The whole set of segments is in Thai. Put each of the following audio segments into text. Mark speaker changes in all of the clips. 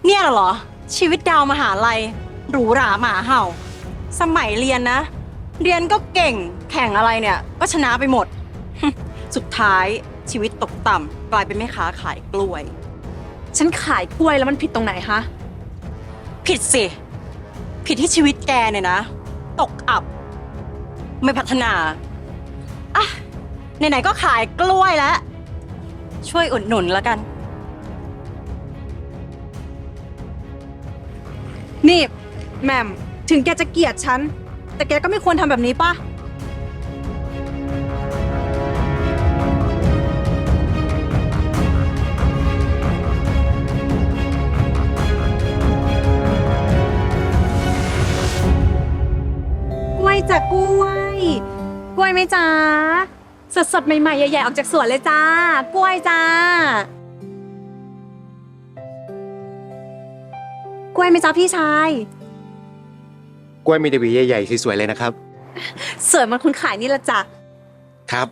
Speaker 1: เนี่ยเหรอชีวิตดาวมหาลัยหรูหราหมาเห่าสมัยเรียนนะ เรียนก็เก่งแข่งอะไรเนี่ยก็ชนะไปหมด สุดท้ายชีวิตตกต่ำกลายเป็นแม่ค้าขายกล้วย
Speaker 2: ฉันขายกล้วยแล้วมันผิดตรงไหนคะ
Speaker 1: ผิดสิผิดที่ชีวิตแกเนี่ยนะตกอับไม่พัฒนาอ่ะไหนๆก็ขายกล้วยแล้วช่วยอุดหนุนแล้วกัน
Speaker 2: นี่แหม่มถึงแกจะเกลียดฉันแต่แกก็ไม่ควรทำแบบนี้ป่ะกล้วยจ้ะกล้วยกล้วยไหมจ๊ะสดๆใหม่ๆใหญ่ๆออกจากสวนเลยจ้ากล้วยจ้ากล้วยไหมจ๊ะพี่ชาย
Speaker 3: กล้วยมีแต่หวีใหญ่ๆสวยๆเลยนะครับ
Speaker 2: สวยมันคุณขายนี่ละจ้ะ
Speaker 3: ครับ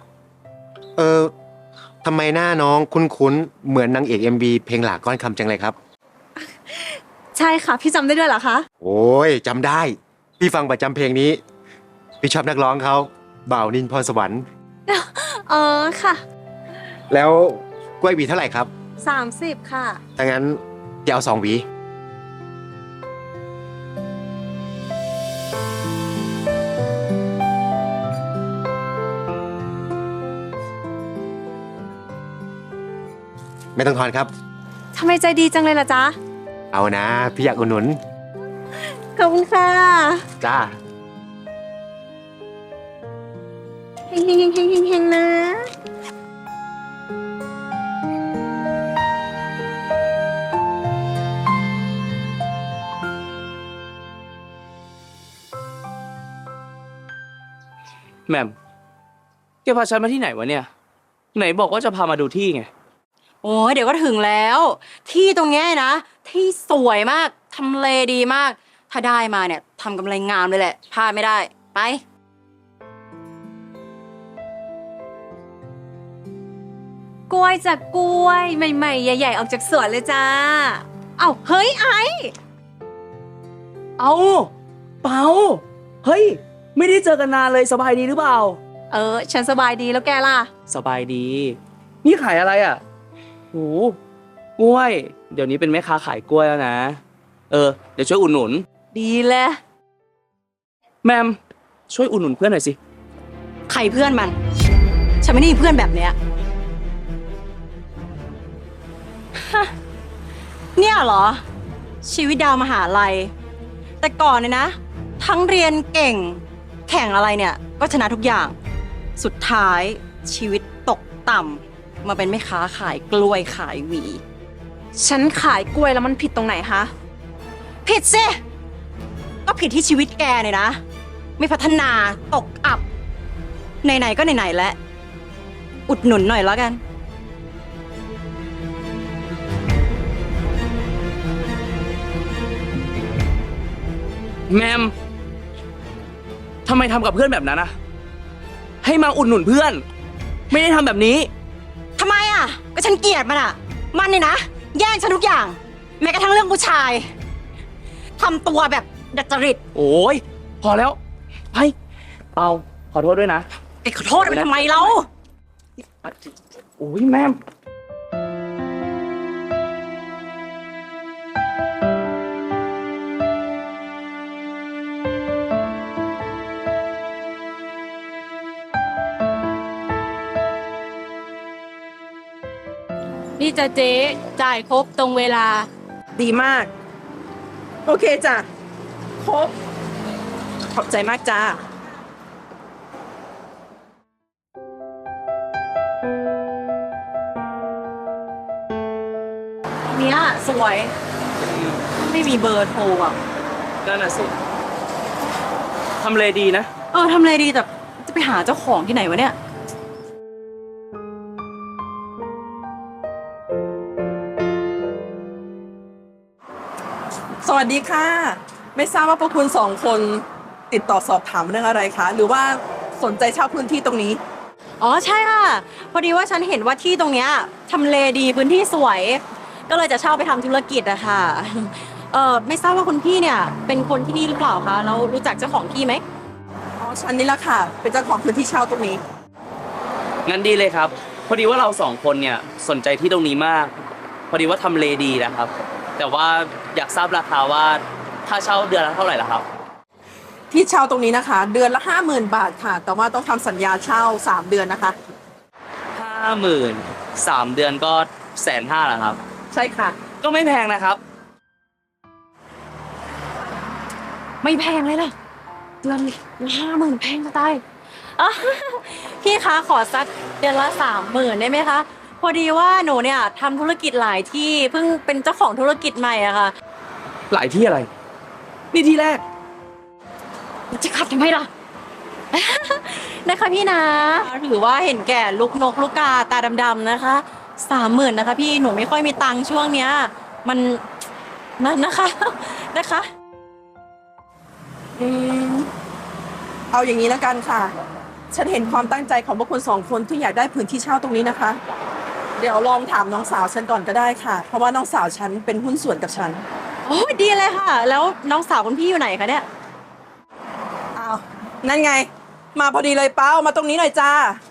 Speaker 3: ทำไมหน้าน้องคุ้นๆเหมือนนางเอก MV เพลงหลากก้อนคำจังเลยครับ
Speaker 2: ใช่ค่ะพี่จำได้ด้วยเหรอคะ
Speaker 3: โอ้ยจำได้พี่ฟังประจำเพลงนี้พี่ชอบนักร้องเขาบ่าวนินพรสวรรค์
Speaker 2: ค่ะ
Speaker 3: แล้วกล้วยหวีเท่าไหร่ครับ
Speaker 2: 30ค่ะ
Speaker 3: ถ้างั้นจะเอา2 หวีไม่ต้องทอนครับ
Speaker 2: ทำไมใจดีจังเลยล่ะจ๊ะ
Speaker 3: เอานะพี่อยากอุดหนุน
Speaker 2: ขอบคุณค่ะ
Speaker 3: จ้า
Speaker 2: เฮงเฮงเฮงเฮงเฮงนะ
Speaker 4: แหม่มแกพาฉันมาที่ไหนวะเนี่ยไหนบอกว่าจะพามาดูที่ไง
Speaker 1: โอ้ยเดี๋ยวก็ถึงแล้วที่ตรงเนี้ยนะที่สวยมากทำเลดีมากถ้าได้มาเนี่ยทำกำไรงามเลยแหละพลาดไม่ได้ไป
Speaker 2: กล้วยจากกล้วยใหม่ๆใหญ่ๆออกจากสวนเลยจ้าเอ้าเฮ้ยไอ
Speaker 4: เอาเปาเฮ้ยไม่ได้เจอกันนานเลยสบายดีหรือเปล่า
Speaker 2: ฉันสบายดีแล้วแกล่ะ
Speaker 4: สบายดีนี่ขายอะไรอ่ะโหกล้วยเดี๋ยวนี้เป็นแม่ค้าขายกล้วยแล้วนะเดี๋ยวช่วยอุดหนุน
Speaker 2: ดีเลย
Speaker 4: แมมช่วยอุดหนุนเพื่อนหน่อยสิ
Speaker 1: ใครเพื่อนมันฉันไม่ได้มีเพื่อนแบบเนี้ยเนี่ยเหรอชีวิตดาวมหาลัยแต่ก่อนเนี่ยนะทั้งเรียนเก่งแข่งอะไรเนี่ยก็ชนะทุกอย่างสุดท้ายชีวิตตกต่ำมาเป็นแม่ค้าขายกล้วยขายหวี
Speaker 2: ฉันขายกล้วยแล้วมันผิดตรงไหนคะ
Speaker 1: ผิดสิก็ผิดที่ชีวิตแกเนี่ยนะไม่พัฒนาตกอับไหนๆก็ไหนๆแล้วอุดหนุนหน่อยแล้วกัน
Speaker 4: แมมทำไมทำกับเพื่อนแบบนั้นอะให้มาอุดหนุนเพื่อนไม่ได้ทำแบบนี้
Speaker 1: ทำไมอะก็ฉันเกลียดมันอะมันเนี่ยนะแย่งฉันทุกอย่างแม้กระทั่งเรื่องผู้ชายทำตัวแบบดัดจริต
Speaker 4: โอ้ยพอแล้วไปเปาขอโทษด้วยนะ
Speaker 1: ไอ้ขอโทษทำไมเรา
Speaker 4: โอ้ยแม่
Speaker 5: นี่จะเจ๊จ่ายครบตรงเวลา
Speaker 6: ดีมากโอเคจ้ะครบขอบใจมากจ้า
Speaker 1: เนี้ยสวยไม่มีเบอร์โทรอ่ะ
Speaker 4: นั่นน่ะสิทำเลดีนะ
Speaker 1: ทำเลดีแต่จะไปหาเจ้าของที่ไหนวะเนี่ย
Speaker 6: สวัสดีค่ะไม่ทราบว่าพวกคุณ2 คนติดต่อสอบถามเรื่องอะไรคะหรือว่าสนใจเช่าพื้นที่ตรงนี้
Speaker 1: อ๋อใช่ค่ะพอดีว่าฉันเห็นว่าที่ตรงเนี้ยทำเลดีพื้นที่สวยก็เลยจะเช่าไปทำธุรกิจอะค่ะ ไม่ทราบว่าคุณพี่เนี่ยเป็นคนที่นี่หรือเปล่าคะแล้วรู้จักเจ้าของที่ไหม
Speaker 6: อ๋อฉันนี่แหละค่ะ เป็นเจ้าของพื้นที่เช่าตรงนี้
Speaker 4: งั้นดีเลยครับ พอดีว่าเราสองคนเนี่ยสนใจที่ตรงนี้มาก พอดีว่าทำเลดีนะครับ แต่ว่าอยากทราบราคาว่าค่าเช่าเดือนละเท่าไหร่ล่ะครับ
Speaker 6: ที่เช่าตรงนี้นะคะ เดือนละ 50,000 บาทค่ะ แต่ว่าต้องทำสัญญาเช่า 3 เดือนนะคะ
Speaker 4: 50,000 3 เดือนก็150,000ละครับ
Speaker 6: ใช่ค่ะ
Speaker 4: ก็ไม่แพงนะครับ
Speaker 1: ไม่แพงเลยล่ะเดือนละ50,000แพงจะตายอ่ะ พี่คะขอสักเดือนละ30,000ได้ไหมคะ พอดีว่าหนูเนี่ยทำธุรกิจหลายที่เพิ่งเป็นเจ้าของธุรกิจใหม่อะค่ะ
Speaker 4: หลายที่อะไร นี่ที่แรก
Speaker 1: จะขับทำไมล่ะ นะคะพี่นะหรือว่าเห็นแก่ลูกนกลูกกาตาดำๆนะคะ30,000นะคะพี่หนูไม่ค่อยมีตังค์ช่วงเนี้ยมันนั่นนะคะ นะคะ
Speaker 6: อืมเอาอย่างนี้แล้วกันค่ะ ฉันเห็นความตั้งใจของพวกคุณ2 คนที่อยากได้พื้นที่เช่าตรงนี้นะคะ เดี๋ยวลองถามน้องสาวฉันก่อนก็ได้ค่ะ เพราะว่าน้องสาวฉันเป็นหุ้นส่วนกับฉัน
Speaker 1: โอ้ยดีเลยค่ะ แล้วน้องสาวคุณพี่อยู่ไหนคะเนี่ย
Speaker 6: อ้าว นั่นไง มาพอดีเลยเป้ามาตรงนี้หน่อยจ้า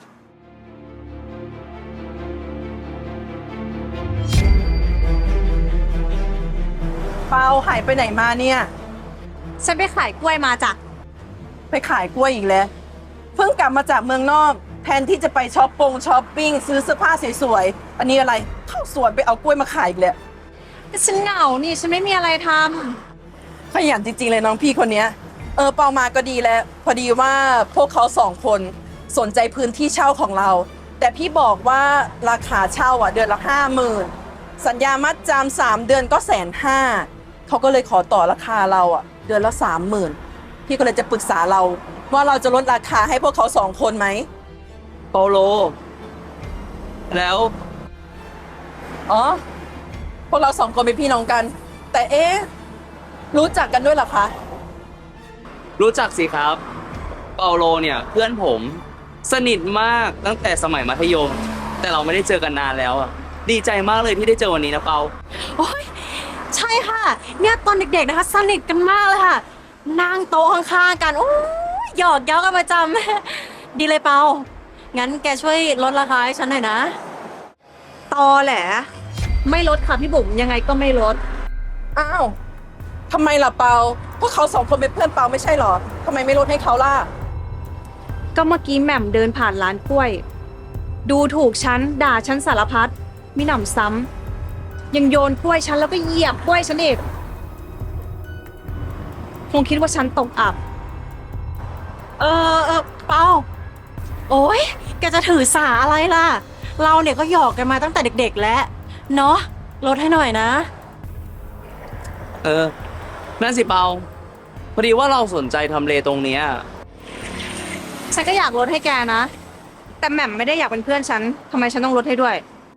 Speaker 6: เป้าหายไปไหนมาเนี่ย
Speaker 2: ฉันไปขายกล้วยมาจ้ะ
Speaker 6: ไปขายกล้วยอีกแล้ว เพิ่งกลับมาจากเมืองนอก แทนที่จะไปช้อปปิ้งซื้อเสื้อผ้าสวยๆ อันนี้อะไร เข้าสวนไปเอากล้วยมาขายอีกแล้ว
Speaker 2: ฉันเหงานี่ฉันไม่มีอะไรท
Speaker 6: ขยันจริงๆเลยน้องพี่คนเนี้ยเปามาก็ดีแล้ว พอดีว่าพวกเขา2 คนสนใจพื้นที่เช่าของเรา แต่พี่บอกว่าราคาเช่าเดือนละ 50,000 สัญญามัดจำ3 เดือนก็150,000เขาก็เลยขอต่อราคาเราเดือนละ 30,000 พี่ก็เลยจะปรึกษาเราว่าเราจะลดราคาให้พวกเขา2 คนไหม
Speaker 4: เปาโล แล้ว
Speaker 6: อ๋อ พวกเรา2 คนเป็นพี่น้องกัน แต่รู้จักกันด้วยเหรอคะ
Speaker 4: รู้จักสิครับ เปาโลเนี่ยเพื่อนผมสนิทมากตั้งแต่สมัยมัธยม แต่เราไม่ได้เจอกันนานแล้วอ่ะดีใจมากเลยที่ได้เจอวันนี้นะเปา
Speaker 1: โอ้ยใช่ค่ะ เนี่ยตอนเด็กๆนะคะสนิทกันมากเลยค่ะ นั่งโต๊ะข้างๆกันโอ้ยหยอกเย้ากันประจำ ดีเลยเปา งั้นแกช่วยลดราคาให้ฉันหน่อยนะ
Speaker 2: ำตอแหละไม่ลดค่ะพี่บุ๋มยังไงก็ไม่ลด
Speaker 6: อ้าว ทำไมล่ะเปา พวกเขา2 คนเป็นเพื่อนเปาไม่ใช่เหรอ ทำไมไม่ลดให้เขาล่ะ
Speaker 2: ก็เมื่อกี้แหม่มเดินผ่านร้านกล้วย ดูถูกฉันด่าฉันสารพัดมิหนำซ้ำยังโยนกล้วยฉันแล้วก็เหยียบกล้วยฉันอีกคงคิดว่าฉันตกอับ
Speaker 1: เปา โอ้ยแกจะถือสาอะไรล่ะ เราเนี่ยก็หยอกกันมาตั้งแต่เด็กๆแล้ว เนาะลดให้หน่อยนะ
Speaker 4: นั่นสิเปา พอดีว่าเราสนใจทำเลตรงเนี้ย
Speaker 2: ฉันก็อยากลดให้แกนะ แต่แหม่มไม่ได้อยากเป็นเพื่อนฉันทำไมฉันต้องลดให้ด้วย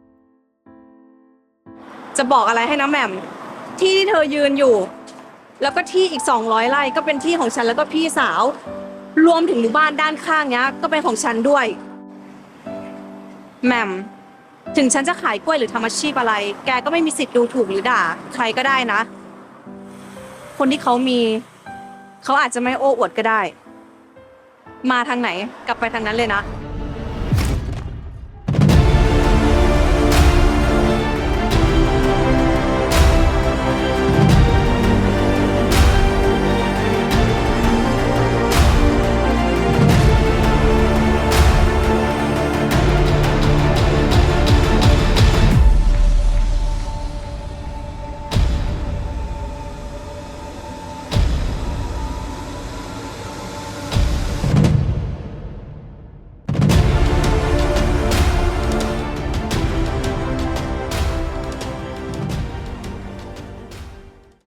Speaker 2: จะบอกอะไรให้นะแหม่มที่ที่เธอยืนอยู่ แล้วก็ที่อีก200 ไร่ก็เป็นที่ของฉันแล้วก็พี่สาว รวมถึงหมู่บ้านด้านข้างเนี้ยก็เป็นของฉันด้วยแหม่มถึงฉันจะขายกล้วยหรือทำอาชีพอะไร แกก็ไม่มีสิทธิ์ดูถูกหรือด่าใครก็ได้นะ คนที่เขามีเขาอาจจะไม่โอ้อวดก็ได้ มาทางไหนกลับไปทางนั้นเลยนะ